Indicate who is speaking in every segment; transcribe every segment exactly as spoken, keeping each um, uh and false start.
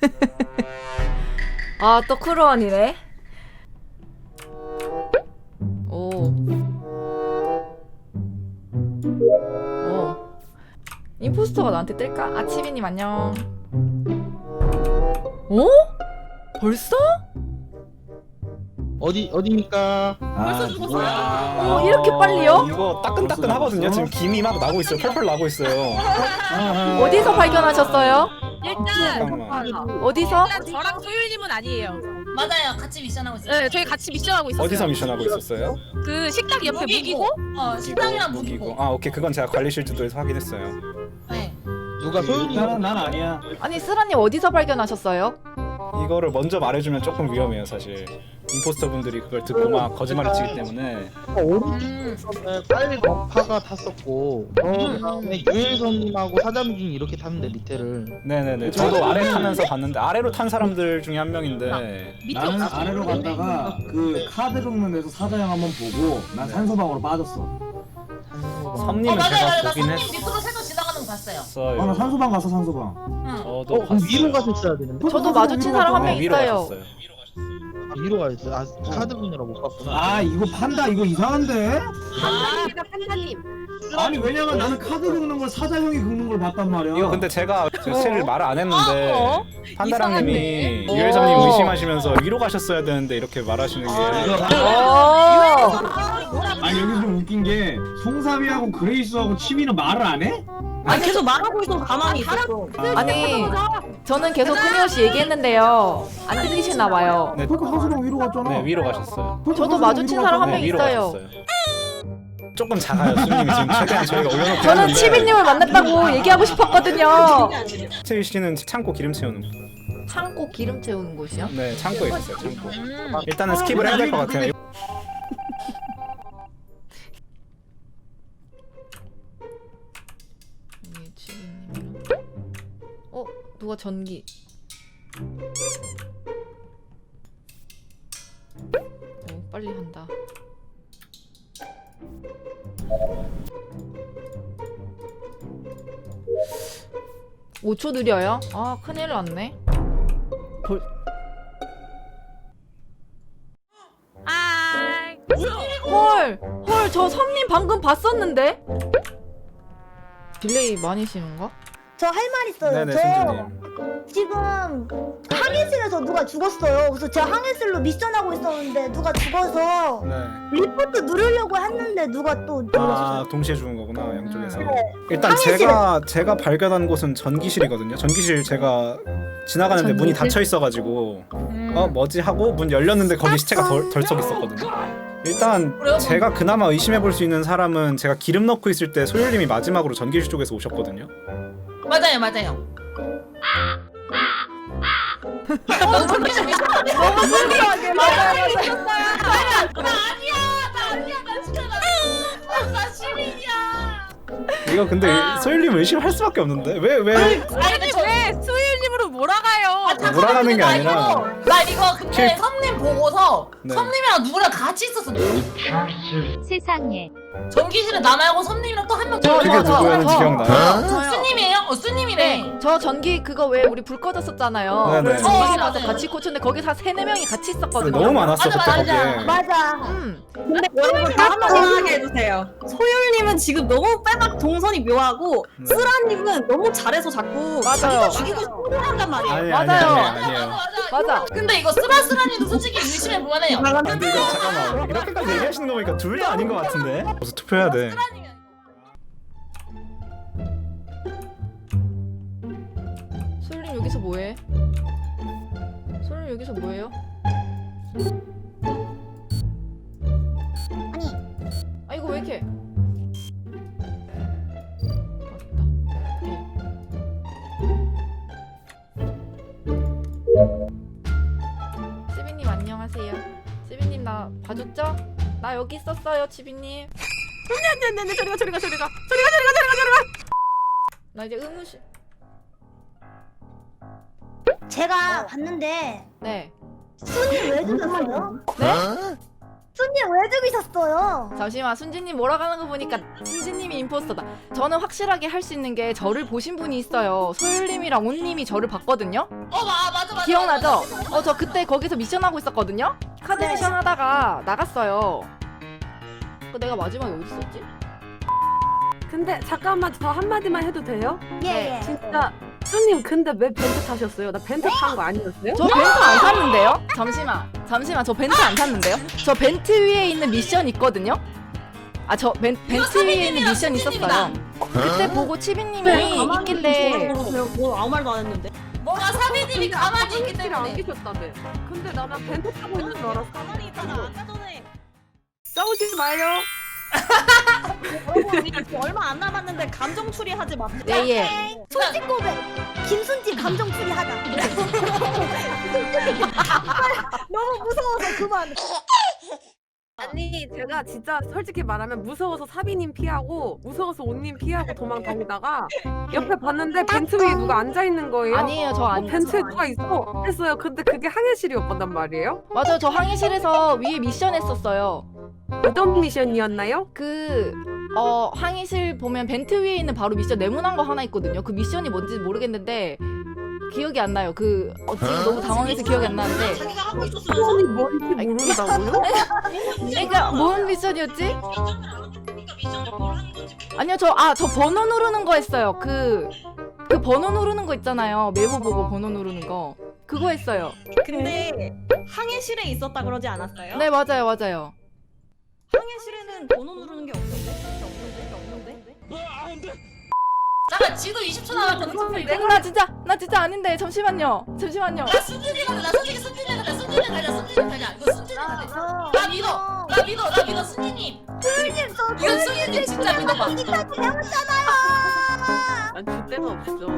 Speaker 1: 아, 또 크루원이네. 오. 오. 임포스터가 나한테 뜰까? 아, 치비님 안녕. 어? 벌써?
Speaker 2: 어디 어디입니까?
Speaker 3: 벌써 죽었어요?
Speaker 1: 어, 이렇게 빨리요?
Speaker 4: 이거 따끈따끈 하거든요. 지금 김이 막 나고 있어요. 펄펄 나고 있어요.
Speaker 1: 어디서 발견하셨어요?
Speaker 3: 일단
Speaker 4: 잠깐만.
Speaker 1: 어디서?
Speaker 3: 일단 저랑 소율님은 아니에요.
Speaker 5: 맞아요. 같이 미션하고 있어요.
Speaker 3: 네, 저희 같이 미션하고 있었어요.
Speaker 4: 어디서 미션하고 있었어요?
Speaker 3: 그 식탁 옆에 무기고?
Speaker 5: 어, 식당이랑
Speaker 4: 무기고.
Speaker 5: 무기고.
Speaker 4: 아 오케이 그건 제가 관리실주도에서 확인했어요.
Speaker 5: 네.
Speaker 2: 누가 소윤이?
Speaker 6: 나는 난 아니야.
Speaker 1: 아니, 쓰라님 어디서 발견하셨어요?
Speaker 4: 이거를 먼저 말해주면 조금 위험해요 사실. 임포스터 분들이 그걸 듣고 막 거짓말을 치기 때문에.
Speaker 2: 오른쪽에 빨리 파가 탔었고, 그 다음에 유일선님하고 사장님 이렇게 탔는데 리테를.
Speaker 4: 네네네. 저도 아래 타면서 봤는데 아래로 탄 사람들 중에 한 명인데.
Speaker 3: 밑에
Speaker 6: 나는
Speaker 3: 없었어요.
Speaker 6: 아래로 갔다가 그 카드 긁는 데서 사자형 한번 보고 난 산소방으로 빠졌어.
Speaker 5: 어,
Speaker 4: 섬님은
Speaker 5: 맞아요.
Speaker 4: 제가
Speaker 5: 맞아요. 나
Speaker 4: 보긴
Speaker 5: 손님
Speaker 4: 했어요.
Speaker 5: 밑으로 새서 지나가는 거 봤어요.
Speaker 6: 아 나 산소방 갔어 산소방.
Speaker 5: 응.
Speaker 4: 저도
Speaker 2: 어, 그럼
Speaker 4: 봤어요.
Speaker 2: 위로 가셨어야 되는데?
Speaker 1: 저도 마주친 사람 한 명
Speaker 4: 네, 위로
Speaker 1: 있어요.
Speaker 4: 가셨어요.
Speaker 2: 아, 위로 가셨어요. 아, 카드 분이라 못 갔구나.
Speaker 6: 아 이거 판다 이거 이상한데?
Speaker 3: 판사님이다, 판사님.
Speaker 6: 아니 왜냐면 나는 카드 긁는 걸 사자형이 긁는 걸 봤단 말이야.
Speaker 4: 이거 근데 제가 제를 말을 안 했는데
Speaker 3: 어?
Speaker 4: 판다랑님이
Speaker 3: 이상한데?
Speaker 4: 유일점님
Speaker 1: 어.
Speaker 4: 의심하시면서 위로 가셨어야 되는데 이렇게 말하시는 게.
Speaker 1: 어.
Speaker 6: 아니 여기 좀 웃긴 게 송삼이하고 그레이스하고 치미는 말을 안 해?
Speaker 7: 아니 계속 말하고 있어 가만히 있었어.
Speaker 1: 아니, 저는 계속 끊임없이 얘기했는데요. 안 들리시나 봐요.
Speaker 4: 네,
Speaker 6: 그러니까 산소방 위로 갔잖아.
Speaker 4: 네 위로 가셨어요.
Speaker 6: 그러니까
Speaker 1: 저도
Speaker 6: 산소방
Speaker 1: 마주친
Speaker 6: 위로
Speaker 1: 사람 한
Speaker 6: 갔잖아.
Speaker 1: 명
Speaker 4: 네, 위로
Speaker 1: 있어요.
Speaker 4: 가셨어요. 조금 작아요 수님이 지금 최대한 저희가 올려놓고
Speaker 1: 저는
Speaker 4: 했는데
Speaker 1: 치비님을 만났다고 얘기하고 싶었거든요.
Speaker 4: 채희 씨는 창고 기름 채우는 거.
Speaker 1: 창고 기름 채우는 곳이요?
Speaker 4: 네 창고에 있었어요 창고.
Speaker 3: 음.
Speaker 4: 일단은 스킵을 해야 될 것 같아요.
Speaker 1: 이게 치비님이랑. 어? 누가 전기? 어, 빨리 한다. 오 초 느려요? 아, 큰일 났네. 벌...
Speaker 3: 아,
Speaker 1: 헐! 헐, 저 섬님 방금 봤었는데? 딜레이 많이 심은가?
Speaker 8: 저 할 말 있어요.
Speaker 4: 네네
Speaker 8: 저
Speaker 4: 승주님.
Speaker 8: 지금 항해실에서 누가 죽었어요. 그래서 제가 항해실로 미션하고 있었는데 누가 죽어서
Speaker 4: 네.
Speaker 8: 리포트 누르려고 했는데 누가 또
Speaker 4: 아
Speaker 8: 눌렀어요.
Speaker 4: 동시에 죽은 거구나 양쪽에서.
Speaker 8: 네.
Speaker 4: 일단
Speaker 8: 항해실.
Speaker 4: 제가 제가 발견한 곳은 전기실이거든요. 전기실 제가 지나가는데 문이 닫혀 있어가지고 어 뭐지 하고 문 열렸는데 거기 시체가 덜, 덜썩 있었거든요. 일단
Speaker 5: 그래요?
Speaker 4: 제가 그나마 의심해 볼 수 있는 사람은 제가 기름 넣고 있을 때 소율님이 마지막으로 전기실 쪽에서 오셨거든요.
Speaker 5: 맞아요. 맞아요.
Speaker 1: 너무 신기하게 맞아요.
Speaker 5: 나 아니야. 나 아니야. 나 진짜 나, 나 시민이야.
Speaker 4: 이거 근데 소율님 의심할 수밖에 없는데 왜 왜?
Speaker 5: 아니 근데 저
Speaker 3: 왜 수율님으로 몰아가요?
Speaker 5: 아, 잠깐만,
Speaker 4: 몰아가는
Speaker 5: 근데
Speaker 4: 게
Speaker 5: 나
Speaker 4: 아니라
Speaker 5: 이거, 나 이거 근데
Speaker 4: 실-
Speaker 5: 섬님 보고서
Speaker 4: 네.
Speaker 5: 섬님이랑 누구랑 같이 있었어.
Speaker 7: 세상에.
Speaker 5: 전기실에 나 말고 섬님이랑 또 한 명 더.
Speaker 4: 그게
Speaker 1: 저, 저,
Speaker 4: 누구였는지
Speaker 1: 저.
Speaker 4: 기억나요?
Speaker 1: 저요.
Speaker 5: 수님이에요? 어 수님이네.
Speaker 1: 네, 저 전기 그거 왜 우리 불 꺼졌었잖아요.
Speaker 4: 네네.
Speaker 1: 그래서 전기실
Speaker 5: 어,
Speaker 1: 가서
Speaker 5: 맞아요.
Speaker 1: 같이 고쳤는데 거기서 한 세네 명이 같이 있었거든요.
Speaker 4: 너무 많았어
Speaker 5: 맞아,
Speaker 4: 그때
Speaker 5: 맞아.
Speaker 4: 거기에.
Speaker 8: 맞아.
Speaker 1: 음.
Speaker 7: 근데 여러분 다 한번 생각하게 해주세요. 소율님은 지금 너무 빼박 동선이 묘하고
Speaker 4: 네.
Speaker 7: 쓰라님은 너무 잘해서 자꾸
Speaker 1: 맞아요.
Speaker 7: 자기가 죽이고 싶어 한단 말이에요.
Speaker 4: 아니,
Speaker 1: 맞아요.
Speaker 4: 아니, 아니,
Speaker 5: 맞아
Speaker 4: 아니에요.
Speaker 5: 맞아.
Speaker 1: 맞아.
Speaker 5: 근데 이거 스바스라님도 솔직히 의심해 볼만해요.
Speaker 4: 근데 이거 잠깐만 이렇게까지 얘기하시는 거 보니까 둘 다 아닌 것 같은데? 벌써 투표해야 돼.
Speaker 1: 솔님 여기서 뭐해? 솔님 여기서 뭐해요?
Speaker 8: 아니
Speaker 1: 아 이거 왜 이렇게? 맞다. 치비님 안녕하세요. 치비님 나 봐줬죠? 나 여기 있었어요, 치비님.
Speaker 3: 네네네, 저리가 저리가 저리가 저리가 저리가 저리가 저리가.
Speaker 1: 나 이제 의무실.
Speaker 8: 제가 봤는데
Speaker 1: 네.
Speaker 8: 순이 왜 죽였어요?
Speaker 1: 네?
Speaker 8: 순님 왜 죽이셨어요?
Speaker 1: 잠시만, 순진님 몰아가는 거 보니까 순진님이 임포스터다. 저는 확실하게 할 수 있는 게 저를 보신 분이 있어요. 소율님이랑 온님이 저를 봤거든요.
Speaker 5: 어 마, 맞아 맞아.
Speaker 1: 기억나죠?
Speaker 5: 맞아, 맞아.
Speaker 1: 어, 저 그때 거기서 미션 하고 있었거든요. 카드
Speaker 8: 네.
Speaker 1: 미션 하다가 나갔어요. 그 내가 마지막에 어디 있었지?
Speaker 3: 근데 잠깐만 저 한마디만 해도 돼요?
Speaker 8: 예 예.
Speaker 3: 진짜 수님 근데 왜 벤트 타셨어요? 나 벤트 탄 거 아니었어요?
Speaker 1: 저 벤트 안 탔는데요? 잠시만, 잠시만, 저 벤트 안 탔는데요? 저 벤트 위에 있는 미션 있거든요? 아, 저 벤, 벤트 위에 있는 미션 있었어요. 그때 보고 치비님이 있길래
Speaker 7: 뭐 아무 말도 안 했는데.
Speaker 5: 뭐가 사비님이 가만히 있기
Speaker 3: 화장실에 안
Speaker 5: 때문에.
Speaker 3: 계셨다며. 근데 나는 벤트 타고 있는 줄 알았어.
Speaker 7: 가만히 있다가 아까 전에
Speaker 3: 싸우지 마요.
Speaker 7: 여러분 이거 얼마 안 남았는데 감정 추리하지 마.
Speaker 1: 예, 예.
Speaker 8: 솔직 고백. 김순지 감정 추리하자. 너무 무서워서 그만.
Speaker 3: 아니 제가 진짜 솔직히 말하면 무서워서 사비님 피하고 무서워서 온님 피하고 도망 다니다가 옆에 봤는데 벤트 위에 누가 앉아 있는 거예요.
Speaker 1: 아니에요, 저
Speaker 3: 어,
Speaker 1: 아니에요.
Speaker 3: 벤트에 누가 있어 했어요. 근데 그게 항해실이었단 말이에요.
Speaker 1: 맞아요, 저 항해실에서 위에 미션 했었어요.
Speaker 3: 어떤 미션이었나요?
Speaker 1: 그, 어, 항해실 보면 벤트 위에 있는 바로 미션 네모난 거 하나 있거든요. 그 미션이 뭔지 모르겠는데, 기억이 안 나요. 그, 어, 지금 너무 당황해서 기억이 안 나는데.
Speaker 7: 자기가 하고 있었으면서
Speaker 3: 수원이 뭔지 모른다고요?
Speaker 1: 그러니까, 뭔 미션이었지?
Speaker 7: 미션을 안 했으니까 미션을 뭘 하는 건지.
Speaker 1: 아니요, 저, 아, 저 번호 누르는 거 했어요. 그, 그 번호 누르는 거 있잖아요. 메모 보고 번호 누르는 거. 그거 했어요.
Speaker 7: 근데 항해실에 있었다 그러지 않았어요?
Speaker 1: 네, 맞아요, 맞아요.
Speaker 7: 항해실에는 번호 누르는 게 없던데? 없는데? 없는데?
Speaker 5: 잠깐 지도 이십 초 남았거든. 투표 이거.
Speaker 1: 나 진짜, 나 진짜 아닌데. 잠시만요. 잠시만요.
Speaker 5: 나 순진이 가자. 나 솔직히 순진이 가자. 순진이 가자. 순진이 가자. 이거 순진이 가자. 나 믿어. 나 믿어. 나 믿어. 순진님.
Speaker 8: 순님 저
Speaker 5: 이건 순진님 진짜 믿어봐.
Speaker 8: 이기까지 배웠잖아요.
Speaker 3: 난 줄 데가 없어.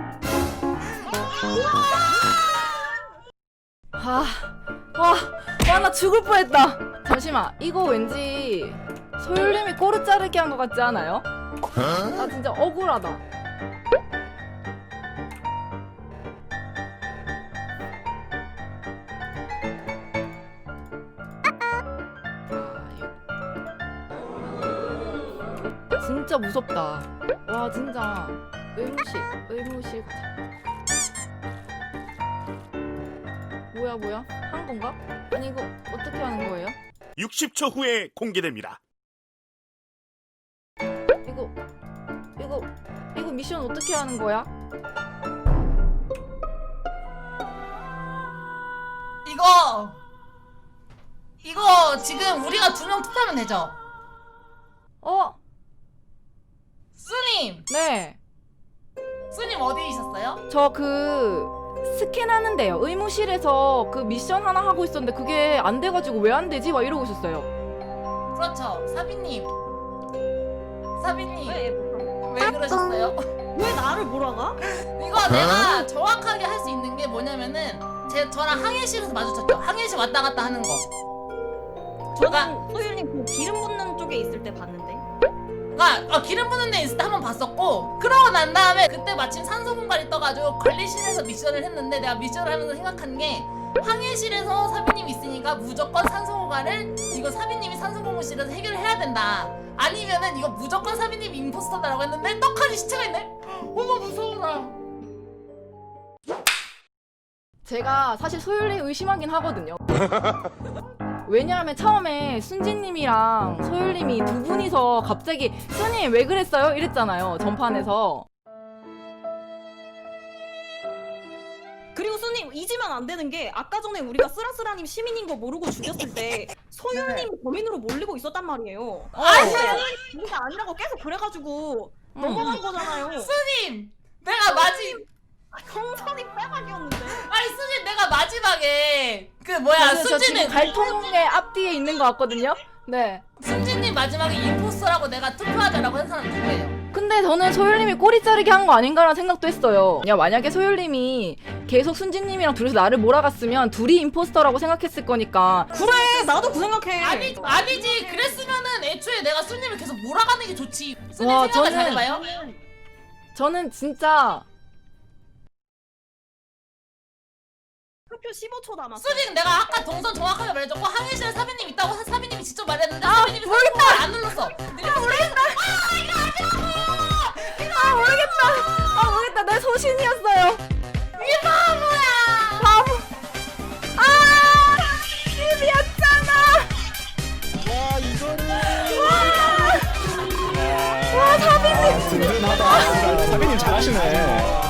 Speaker 1: 아, 와, 와, 나 죽을 뻔했다. 잠시만, 이거 왠지 소율님이 꼬르 자르기 한 것 같지 않아요? 나 진짜 억울하다. 아, 진짜 무섭다. 와, 진짜 의무실, 의무실 가자. 뭐야 뭐야? 한 건가? 아니 이거 어떻게 하는 거예요?
Speaker 9: 육십 초 후에 공개됩니다.
Speaker 1: 이거 이거 이거 미션 어떻게 하는 거야?
Speaker 5: 이거 이거 지금 우리가 두 명 투표하면 되죠?
Speaker 1: 어?
Speaker 5: 수님.
Speaker 1: 네.
Speaker 5: 수님 어디 있었어요?
Speaker 1: 저 그 스캔하는데요. 의무실에서 그 미션 하나 하고 있었는데 그게 안 돼가지고 왜 안 되지? 막 이러고 있었어요.
Speaker 5: 그렇죠. 사비님. 사비님.
Speaker 7: 왜?
Speaker 5: 왜 그러셨어요?
Speaker 7: 왜 나를 몰아가?
Speaker 5: 이거 내가 정확하게 할 수 있는 게 뭐냐면은 제 저랑 항해실에서 마주쳤죠. 항해실 왔다 갔다 하는 거.
Speaker 7: 저는 소율님 그 기름 붓는 쪽에 있을 때 봤는데.
Speaker 5: 그러니까 어, 기름 부는 데 있을 때 한 번 봤었고 그러고 난 다음에 그때 마침 산소 공간이 떠가지고 관리실에서 미션을 했는데 내가 미션을 하면서 생각한 게 항해실에서 사비님이 있으니까 무조건 산소 공간을 이거 사비님이 산소 공간실에서 해결을 해야 된다. 아니면은 이거 무조건 사비님이 임포스터다라고 했는데 떡하니 시체가 있네? 어머 무서워라.
Speaker 1: 제가 사실 소율님 의심하긴 하거든요. 왜냐하면 처음에 순진님이랑 소율님이 두 분이서 갑자기 수님 왜 그랬어요? 이랬잖아요. 전판에서.
Speaker 7: 그리고 수님 잊으면 안 되는 게 아까 전에 우리가 쓰라쓰라님 시민인 거 모르고 죽였을 때 소율님 범인으로 몰리고 있었단 말이에요. 아니 우리가 아니라고 계속 그래가지고
Speaker 1: 음.
Speaker 7: 넘어간 거잖아요.
Speaker 5: 수님 내가 마지
Speaker 7: 형선이 빼박이었는데.
Speaker 5: 아니 수진 내가 마지막에 그 뭐야
Speaker 1: 저 지금
Speaker 5: 순진은
Speaker 1: 갈통의 앞뒤에 있는 것 같거든요. 네.
Speaker 5: 순진님 마지막에 임포스터라고 내가 투표하자라고 한 사람 누구예요?
Speaker 1: 근데 저는 소율님이 꼬리 자르기 한 거 아닌가라는 생각도 했어요. 야, 만약에 소율님이 계속 순진님이랑 둘이서 나를 몰아갔으면 둘이 임포스터라고 생각했을 거니까.
Speaker 7: 그래 나도 그 생각해.
Speaker 5: 아니 아니지 그랬으면은 애초에 내가 순님을 계속 몰아가는 게 좋지. 순님
Speaker 1: 와,
Speaker 5: 생각을
Speaker 1: 저는-
Speaker 5: 잘해봐요.
Speaker 1: 저는 진짜
Speaker 7: 투표 초 십오 초 남았어.
Speaker 5: 수진 내가 아까 동선 정확하게 말해줬고 항해실에 사비님 있다고 사- 사비님이 직접 말했는데
Speaker 1: 아,
Speaker 5: 사비님이 모르겠다 안 눌렀어.
Speaker 1: 아 모르겠다. 아 모르겠다. 아 모르겠다. 내 소신이었어요.
Speaker 5: 이 바보야.
Speaker 1: 바보. 아 집이었잖아.
Speaker 2: 와 이거는
Speaker 1: 와 사비님.
Speaker 4: 든든하다. 사비님 잘하시네.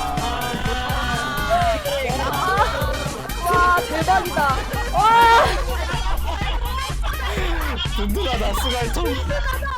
Speaker 1: 와 대박이다. 와.
Speaker 4: 든든하다. 스갈통.